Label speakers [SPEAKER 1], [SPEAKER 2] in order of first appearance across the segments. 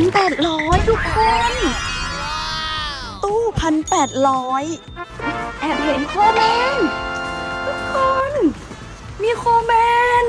[SPEAKER 1] 1,800ทุกคนตู้1,800แอบเห็นโคแมนทุกคนมีโคแมน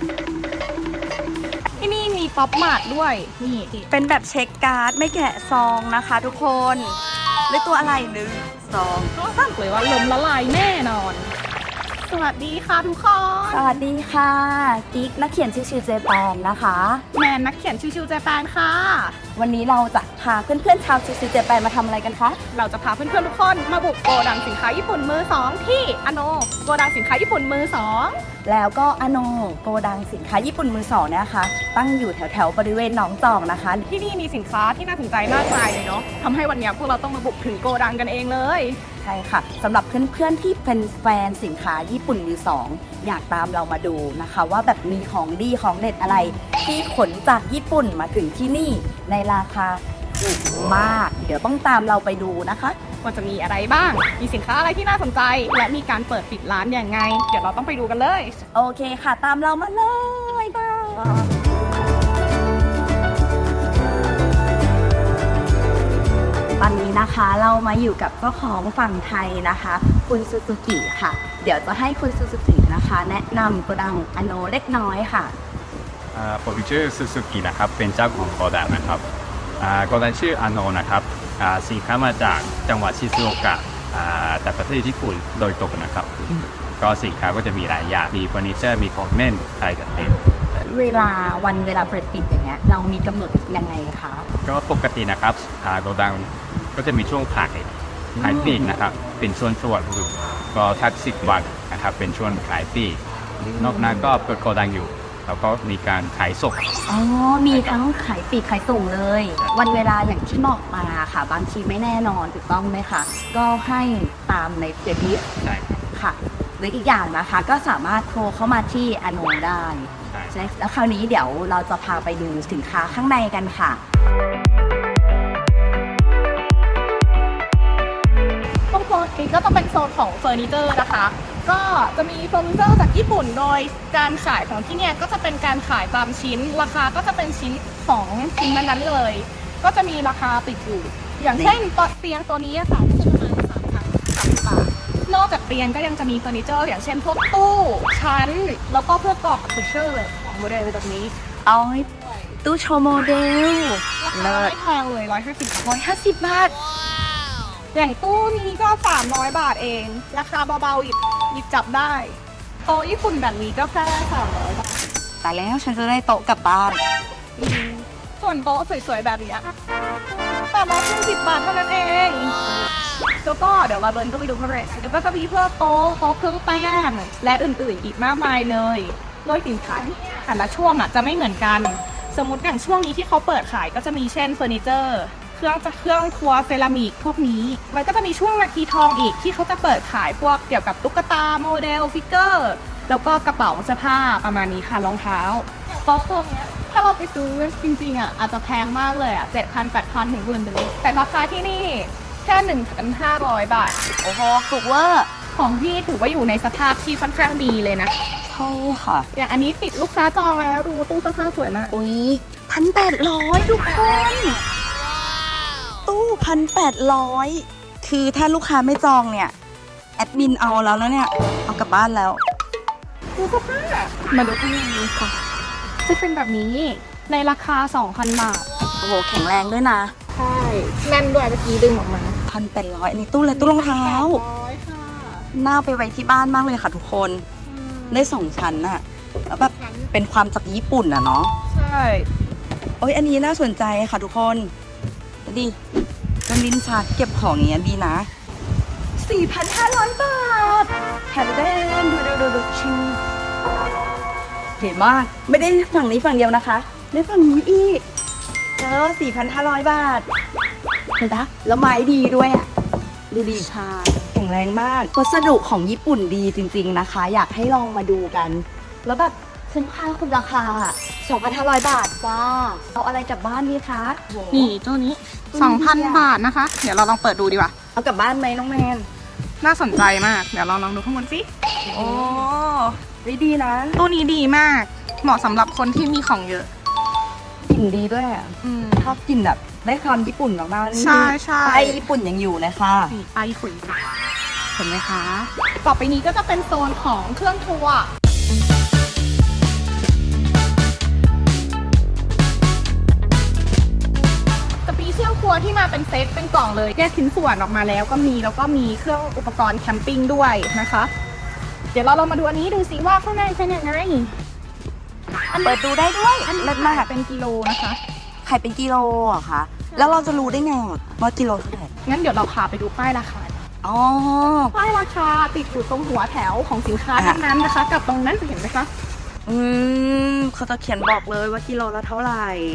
[SPEAKER 2] ที่นี่มีป๊อปมาร์ทด้วยนี่
[SPEAKER 1] เป็นแบบเช็คการ์ดไม่แกะซองนะคะทุกคนเลยตัวอะไร1 2
[SPEAKER 2] ก็สั่งเลยว่าล้มละลายแน่นอนสวัสดีค่ะทุกคน
[SPEAKER 1] สวัสดีค่ะกิ๊กนักเขียนชิวๆเจแปนนะคะ
[SPEAKER 2] แมนนักเขียนชิวๆเจแปนค่ะ
[SPEAKER 1] วันนี้เราจะพาเพื่อนๆชาวชิวๆเจแปนมาทำอะไรกันคะ
[SPEAKER 2] เราจะพาเพื่อนๆทุกคนมาบุกโกดังสินค้าญี่ปุ่นมือ2ที่อโนโกดังสินค้าญี่ปุ่นมือ2
[SPEAKER 1] แล้วก็อโนโกดังสินค้าญี่ปุ่นมือ2เนี่ยนะคะตั้งอยู่แถวๆบริเวณหนองจอกนะคะ
[SPEAKER 2] ที่นี่มีสินค้าที่น่าสนใจมากมายเลยเนาะทำให้วันนี้พวกเราต้องมาบุกถึงโกดังกันเองเลย
[SPEAKER 1] ใช่ค่ะสำหรับเพื่อนๆที่เป็นแฟนสินค้าญี่ปุ่นมือ2อยากตามเรามาดูนะคะว่าแบบมีของดีของเด็ดอะไรที่ขนจากญี่ปุ่นมาถึงที่นี่ในราคาถูกมากเดี๋ยวต้องตามเราไปดูนะคะ
[SPEAKER 2] ว่าจะมีอะไรบ้างมีสินค้าอะไรที่น่าสนใจและมีการเปิดปิดร้านอย่างไงเดี๋ยวเราต้องไปดูกันเลย
[SPEAKER 1] โอเคค่ะตามเรามาเลยบ้างตอนนี้นะคะเรามาอยู่กับเจ้าของฝั่งไทยนะคะคุณซูซูกิค่ะเดี๋ยวจะให้คุณซูซูกินะคะแนะนำโกดังอโนเล็กน้อยค่ะ
[SPEAKER 3] ผมชื่อซูซูกินะครับเป็นเจ้าของโกดังนะครับโกดังชื่ออโนนะครับสินค้ามาจากจังหวัดชิซูโอกะแต่ประเทศญี่ปุ่นโดยตรงนะครับก็สินค้าก็จะมีหลายอย่างมีเฟอร์นิเจอร์มีของเล่นอะไรกันเต็ม
[SPEAKER 1] เวลาเปิดปิดอย่างเงี้ยเรามีกำหนดยังไงคะ
[SPEAKER 3] ก็ปกตินะครับโกดังก็จะมีช่วงขายปลีกนะครับเป็นช่วงก็ทัก10 วันนะครับเป็นช่วงขายปลีกนอกนั้นก็เปิดโกดังอยู่แล้วก็มีการขายส่ง
[SPEAKER 1] อ๋อมีทั้งขายปลีกขายส่งเลยวันเวลาอย่างที่บอกมาค่ะบางทีไม่แน่นอนถูกต้องไหมคะก็ให้ตามในเฟซบุ๊ก
[SPEAKER 3] ใช่
[SPEAKER 1] ค่ะหรืออีกอย่างนะคะก็สามารถโทรเข้ามาที่อโนได้ใช่แล้วคราวนี้เดี๋ยวเราจะพาไปดูสินค้าข้างในกันค่ะ
[SPEAKER 2] ตรงโซนนี้ก็จะเป็นโซนของเฟอร์นิเจอร์นะคะก็จะมีเฟอร์นิเจอร์จากญี่ปุ่นโดยการขายของที่เนี่ยก็จะเป็นการขายตามชิ้นราคาก็จะเป็นชิ้น2ชิ้นนั้นๆเลยก็จะมีราคาติดอยู่อย่างเช่นเตียงตัวนี้ค่ะจะประมาณ3,030 บาทนอกจากเตียงก็ยังจะมีเฟอร์นิเจอร์อย่างเช่นพวกตู้ชั้นแล้วก็เพื่อกรอบฟิเชอร์ของโมเดลแบบนี้
[SPEAKER 1] เอาตู้โชว์โมเดล
[SPEAKER 2] ราคาไม่แพงเลย
[SPEAKER 1] 150 บาท
[SPEAKER 2] อย่างตู้นี้ก็300 บาทเองราคาเบาๆหยิบจับได้โต๊ะญี่ปุ่นแบบนี้ก็แค่300 บาท
[SPEAKER 1] แต่แล้วฉันจะได้โต๊ะกลับบ้าน
[SPEAKER 2] ส่วนโต๊ะสวยๆแบบนี้810 บาทเท่านั้นเองแล้วก็เดี๋ยวเราเดินก็ไปดูข้างในเดี๋ยวก็จะมีเพื่อโต๊ะเครื่องแป้งและอื่นๆอีกมากมายเลยโดยสินค้าแต่ละช่วงจะไม่เหมือนกันสมมติอย่างช่วงนี้ที่เขาเปิดขายก็จะมีเช่นเฟอร์นิเจอร์เครื่องครัวเซรามิกพวกนี้มันก็จะมีช่วงนาทีทองอีกที่เขาจะเปิดขายพวกเกี่ยวกับตุ๊กตาโมเดลฟิกเกอร์แล้วก็กระเป๋าเสื้อผ้าประมาณนี้ค่ะรองเท้าโต๊ะตัวนี้ถ้าเราไปซื้อจริงๆอาจจะแพงมากเลย7,000 8,000 ถึง10,000เลยแต่ราคาที่นี่แค่ 1,500 บาท
[SPEAKER 1] โอ้โหถูกเวอร์
[SPEAKER 2] ของพี่ถือว่าอยู่ในสภาพที่ค่อนข้างดีเลยนะ
[SPEAKER 1] ใช่ค่ะ
[SPEAKER 2] อย่างอันนี้ติดลูกค้าจองแล้วดูตู้เสื้อผ้าสวยมาก
[SPEAKER 1] อุ้ย1,800ทุกคนตู้1,800คือถ้าลูกค้าไม่จองเนี่ยแอดมินเอาแล้วนะเนี่ยเอากลับบ้านแล้ว
[SPEAKER 2] ดูเสื้อผ้ามาดูข้างในค่ะจะเป็นแบบนี้ในราคา 2,000 บาท
[SPEAKER 1] โอ้โหแข็งแรงด้วยนะ
[SPEAKER 2] ใช่แน่นด้วยเมื่อกี้ดึงออกมา
[SPEAKER 1] 1,800อันนี้ตู้เลยตู้รองเท้าน่าไปไว้ที่บ้านมากเลยค่ะทุกคนได้2 ชั้นน่ะแล้วแบบเป็นความจากญี่ปุ่นอ่ะเนาะ
[SPEAKER 2] ใช่
[SPEAKER 1] โอ้ยอันนี้น่าสนใจค่ะทุกคนดิเป็นลิ้นชักเก็บของอย่างเงี้ยดีนะ 4,500 บาทแถมได้ดูชิงเห็นมากไม่ได้ฝั่งนี้ฝั่งเดียวนะคะได้ฝั่งนี้อีก4,500 บาทเห็นปะแล้วไม้ดีด้วยอ่ะดูดีชาแข็งแรงมากวัสดุของญี่ปุ่นดีจริงๆนะคะอยากให้ลองมาดูกันแล้วแบบคุ้มค่าคุณราคา 2,500 บาทจ้าเอาอะไรกลับบ้านดีคะ
[SPEAKER 2] นี่ตัวนี้ 2,000 บาทนะคะเดี๋ยวเราลองเปิดดูดีกว่า
[SPEAKER 1] เอากลับบ้านไหมน้องแมน
[SPEAKER 2] น่าสนใจมากเดี๋ยวเราลองดูข้างบนสิ
[SPEAKER 1] โอ้ดีนะ
[SPEAKER 2] ตู้นี้ดีมากเหมาะสำหรับคนที่มีของเยอะ
[SPEAKER 1] กลิ่นดีด้วยอะชอบกลิ่นแบบได้ความญี่ปุ่นมากๆนี่
[SPEAKER 2] ใช่ใช่
[SPEAKER 1] ไอญี่ปุ่นยังอยู่เลยค่ะ
[SPEAKER 2] นี่ไอขุยเห็นไหมคะ ต่อไปนี้ก็จะเป็นโซนของเครื่องครัวจะมีเครื่องครัวที่มาเป็นเซตเป็นกล่องเลยแยกชิ้นส่วนออกมาแล้วก็มีเครื่องอุปกรณ์แคมปิ้งด้วยนะคะ เดี๋ยวเรามาดูอันนี้ดูสิว่าข้างในเป็นยังไง
[SPEAKER 1] เปิดดูได้ด้วย
[SPEAKER 2] อันนี้
[SPEAKER 1] เลิศมาก
[SPEAKER 2] เป็นกิโลนะคะ
[SPEAKER 1] ไข่เป็นกิโลเหรอคะแล้วเราจะรู้ได้ไงว่ากิโลเท่าไหร่
[SPEAKER 2] งั้นเดี๋ยวเราพาไปดูป้ายราคา
[SPEAKER 1] อ๋อ
[SPEAKER 2] ป้ายราคาติดอยู่ตรงหัวแถวของสินค้าทั้งนั้นนะคะ กับตรงนั้นเห็นไหมคะ
[SPEAKER 1] เขาจะเขียนบอกเลยว่ากิโลละเท่าไหร่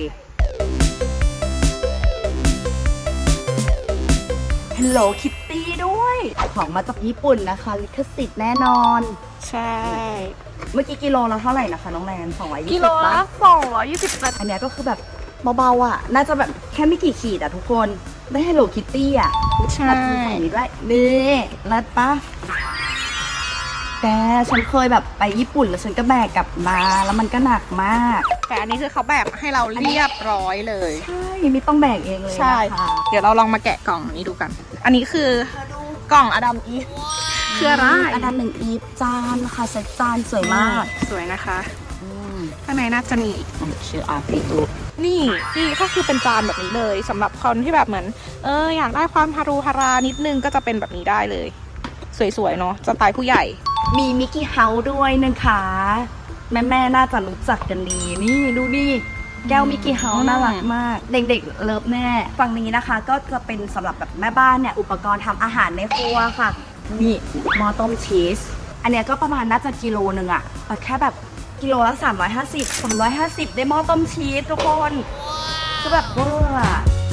[SPEAKER 1] Hello Kitty ด้วย ของมาจากญี่ปุ่นนะคะลิขสิทธิ์แน่นอน
[SPEAKER 2] ใช่
[SPEAKER 1] เมื่อกี้กิโลละเท่าไหร่นะคะน้องแนน220
[SPEAKER 2] กิโล
[SPEAKER 1] บา
[SPEAKER 2] ละ
[SPEAKER 1] ท
[SPEAKER 2] 220 บาท
[SPEAKER 1] อันเนี้ยก็คือแบบเบาๆอ่ะ น่าจะแบบแค่ไม่กี่ขีดอ่ะทุกคน ได้ Hello Kitty อ่ะ
[SPEAKER 2] ใช่
[SPEAKER 1] รัดมือใส่นี้ด้วยนี่รัดปะแกฉันเคยแบบไปญี่ปุ่นแล้วฉันก็แบกกลับมาแล้วมันก็หนักมาก
[SPEAKER 2] แต่อันนี้คือเขาแบบให้เราเรียบร้อยเลย
[SPEAKER 1] ใช่ไม่ต้องแบกเองเลย
[SPEAKER 2] ใช่
[SPEAKER 1] นะคะ
[SPEAKER 2] เดี๋ยวเราลองมาแกะกล่องนี้ดูกัน อันนี้คือกล่องอดัมอีฟคืออะไร
[SPEAKER 1] อันนั้นหนึ่งอีฟจานนะคะเซ็ตจานสวยมาก
[SPEAKER 2] สวยนะคะ
[SPEAKER 1] อืม
[SPEAKER 2] ข้างในน่าจะมีอีก
[SPEAKER 1] ชื่ออาฟิตุ
[SPEAKER 2] นี่ก็คือเป็นจานแบบนี้เลยสำหรับคนที่แบบเหมือนอยากได้ความฮารุฮารานิดนึงก็จะเป็นแบบนี้ได้เลย สวยๆเนาะสไตล์ผู้ใหญ่
[SPEAKER 1] มีมิกกี้เฮาส์ด้วยนะคะแม่ๆน่าจะรู้จักกันดี นี่ดูดิแก้วมิกกี้เฮาส์น่ารักมาก เด็กๆเลิฟแน่ฝั่งนี้นะคะก็จะเป็นสำหรับแบบแม่บ้านเนี่ยอุปกรณ์ทำอาหารในครัวค่ะ นี่หม้อต้มชีสอันเนี้ยก็ประมาณน่าจะกิโลนึงอะแต่แค่แบบกิโลละ350ได้หม้อต้มชีสทุกคนก็แบบเวอร์อะ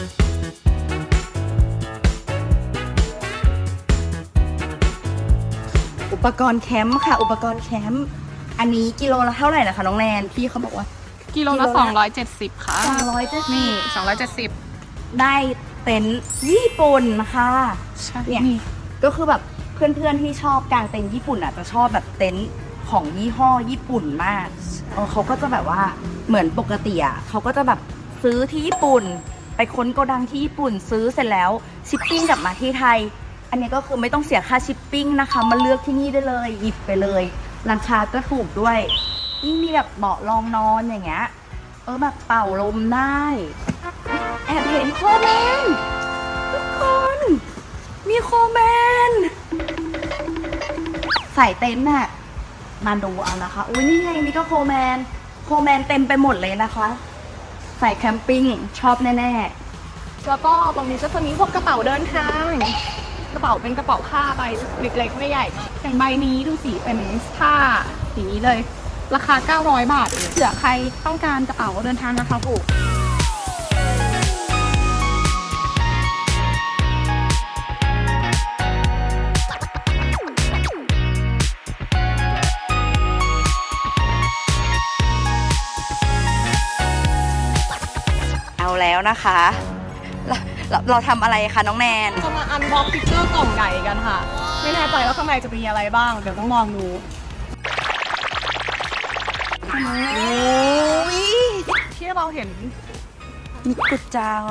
[SPEAKER 1] อุปกรณ์แคมป์ค่ะ อุปกรณ์แคมป์อันนี้กิโลละเท่าไหร่นะคะน้องแนนพี่เขาบอกว่า
[SPEAKER 2] กิโลละ
[SPEAKER 1] กิโลละ
[SPEAKER 2] 270ค่ะ
[SPEAKER 1] 270
[SPEAKER 2] นี่270
[SPEAKER 1] ได้เต็นท์ญี่ปุ่นค่ะ
[SPEAKER 2] ใช่
[SPEAKER 1] เนี่ย ก็คือแบบเพื่อนๆที่ชอบกางเต็นท์ญี่ปุ่นอ่ะจะชอบแบบเต็นท์ของยี่ห้อญี่ปุ่นมากเขาก็จะแบบว่าเหมือนปกติอ่ะเขาก็จะแบบซื้อที่ญี่ปุ่น ไปค้นโกดังที่ญี่ปุ่นซื้อเสร็จแล้วชิปปิ้งกลับมาที่ไทย อันนี้ก็คือไม่ต้องเสียค่าชิปปิ้งนะคะมาเลือกที่นี่ได้เลยหยิบไปเลยราคาก็ถูกด้วยนี่มีแบบเบาะรองนอนอย่างเงี้ยแบบเป่าลมได้แอบเห็นโคแมนทุกคนมีโคแมนใส่เต็นท์น่ะมาดูเอานะคะอุ้ยนี่ไงมีก็โคแมนเต็มไปหมดเลยนะคะ ใส่แคมปิ้งชอบแน่ๆ
[SPEAKER 2] แล้วก็ตรงนี้ก็จะมีพวกกระเป๋าเดินทาง กระเป๋าเป็นกระเป๋าผ้าใบเล็กๆไม่ใหญ่อย่างใบนี้ดูสิเป็นผ้าสีนี้เลย ราคา900 บาทเองเผื่อใครต้องการกระเป๋าเดินทางนะคะถูก
[SPEAKER 1] เอาแล้วนะคะ เราทำอะไรคะน้องแนน
[SPEAKER 2] จะมาอันบ็อกฟิกเกอร์กล่องใหญ่กันค่ะ ไม่แน่ใจว่าข้างในจะมีอะไรบ้าง เดี๋ยวต้องลองดู
[SPEAKER 1] โอ้ย
[SPEAKER 2] ที่เราเห็น
[SPEAKER 1] มีกุดจัง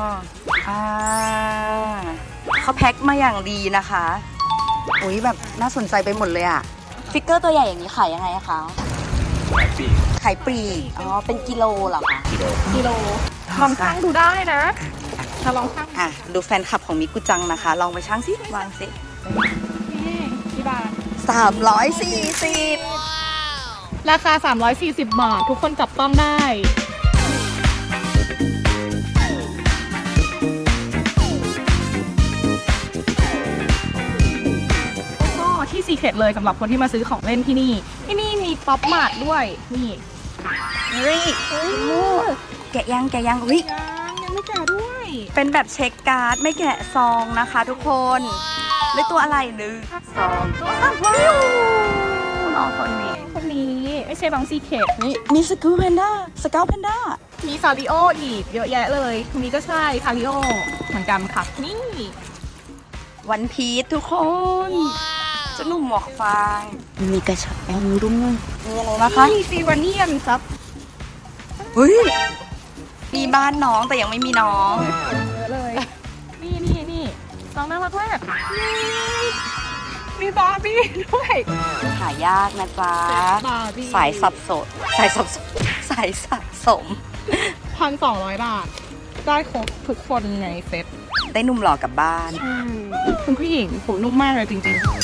[SPEAKER 1] เขาแพ็คมาอย่างดีนะคะอุ้ยแบบน่าสนใจไปหมดเลยอะฟิกเกอร์ตัวใหญ่อย่างนี้ขายยังไงคะ
[SPEAKER 3] ปี
[SPEAKER 1] ขายปลีกอ๋อเป็นกิโลเหรอคะ
[SPEAKER 2] กิโลลองชั่งดูได้นะถ้าลองชั่ง
[SPEAKER 1] ดูแฟนคลับของมิกุจังนะคะ ลองไปชั่งสิวางสิ
[SPEAKER 2] นี่กี่บาท
[SPEAKER 1] 340
[SPEAKER 2] ราคา 340 บาท ทุกคนจับต้องได้ ก็ที่ซีเคร็ตเลยสำหรับคนที่มาซื้อของเล่นที่นี่ ที่นี่มีป๊อปมาร์ทด้วย นี่
[SPEAKER 1] เฮ้ยแกะยังอุ้ย
[SPEAKER 2] ยังไม่แก่ด้วย
[SPEAKER 1] เป็นแบบเช็คการ์ดไม่แกะซองนะคะทุกคนได้ตัวอะไร1 2 3ว้าวน้องคนนี้
[SPEAKER 2] คนนี้ไม่ใช่บางซีเคร็ต
[SPEAKER 1] นี่มีสกูแพนด้าสกาวแพนด้า
[SPEAKER 2] มีซาริโออีกเยอะแยะเลยคนนี้ก็ใช่ซาริโอเหมือนกันค่ะ นี่
[SPEAKER 1] วันพีชทุกคนเจ้าหนุ่มหมวกฟางมีกระชับแอลด้วยมีอะไรนะคะ
[SPEAKER 2] นี่ซีวาเนียนครับ
[SPEAKER 1] เฮ้ยมีบ้านน้องแต่ยังไม่มีน้อง
[SPEAKER 2] เยอะเลย นี่น้องน่ารักมากมีบาร์บี้ด้วย
[SPEAKER 1] หายากนะจ๊ะ
[SPEAKER 2] บาร์บี้
[SPEAKER 1] สายสับสนสายสะสม
[SPEAKER 2] 1,200 บาท ได้ครบทุกคนในเซ็ต
[SPEAKER 1] ได้หนุ่มหล่อกลับบ้าน
[SPEAKER 2] คุณผู้หญิงผมนุ่มมากเลยจริงๆ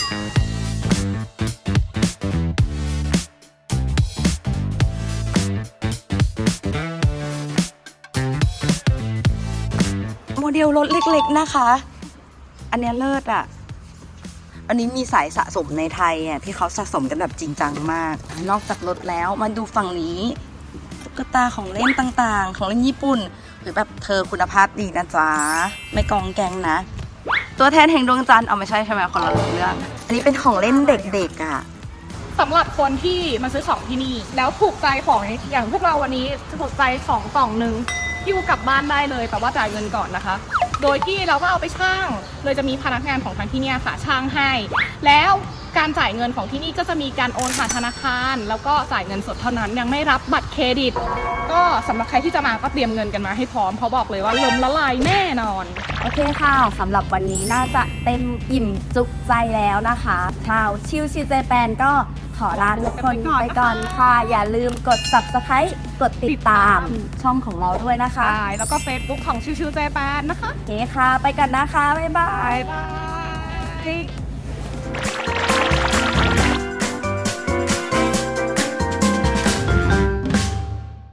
[SPEAKER 1] โมเดลรถเล็กๆนะคะ อันเนี้ยเลิศอ่ะ อันนี้มีสายสะสมในไทยอ่ะที่เขาสะสมกันแบบจริงจังมาก นอกจากรถแล้วมาดูฝั่งนี้ตุ๊กตาของเล่นต่างๆ ของเล่นญี่ปุ่น หรือแบบเธอคุณภาพดีนะจ๊ะ ไม่กองแกงนะ ตัวแทนแห่งดวงจันทร์เอาไม่ใช่ใช่ไหมคนละเรื่อง อันนี้เป็นของเล่นเด็กๆอ่ะ
[SPEAKER 2] สำหรับคนที่มาซื้อของที่นี่ แล้วถูกใจของอย่างพวกเราวันนี้ถูกใจของกล่องหนึ่งหิ้วกลับบ้านได้เลยแต่ว่าจ่ายเงินก่อนนะคะ โดยที่เราก็เอาไปช่างเลยจะมีพนักงานของทางที่เนี่ยค่ะช่างให้ แล้วการจ่ายเงินของที่นี่ก็จะมีการโอนผ่านธนาคาร แล้วก็จ่ายเงินสดเท่านั้นยังไม่รับบัตรเครดิต ก็สำหรับใครที่จะมาก็เตรียมเงินกันมาให้พร้อมเพราะบอกเลยว่าล้มละลายแน่นอน
[SPEAKER 4] โอเคค่ะสำหรับวันนี้น่าจะเต็มอิ่มจุกใจแล้วนะคะชาวชิวชิวเจแปนก็ขอลาทุกคนไปก่อนค่ะ อย่าลืมกด subscribe กดติดตามช่องของเราด้วยนะคะ
[SPEAKER 2] ใช่แล้วก็ Facebook ของชิวๆเจแปนนะคะ
[SPEAKER 4] โอเคค่ะ ไปกันนะคะ บ๊ายบาย
[SPEAKER 2] บ๊ายบาย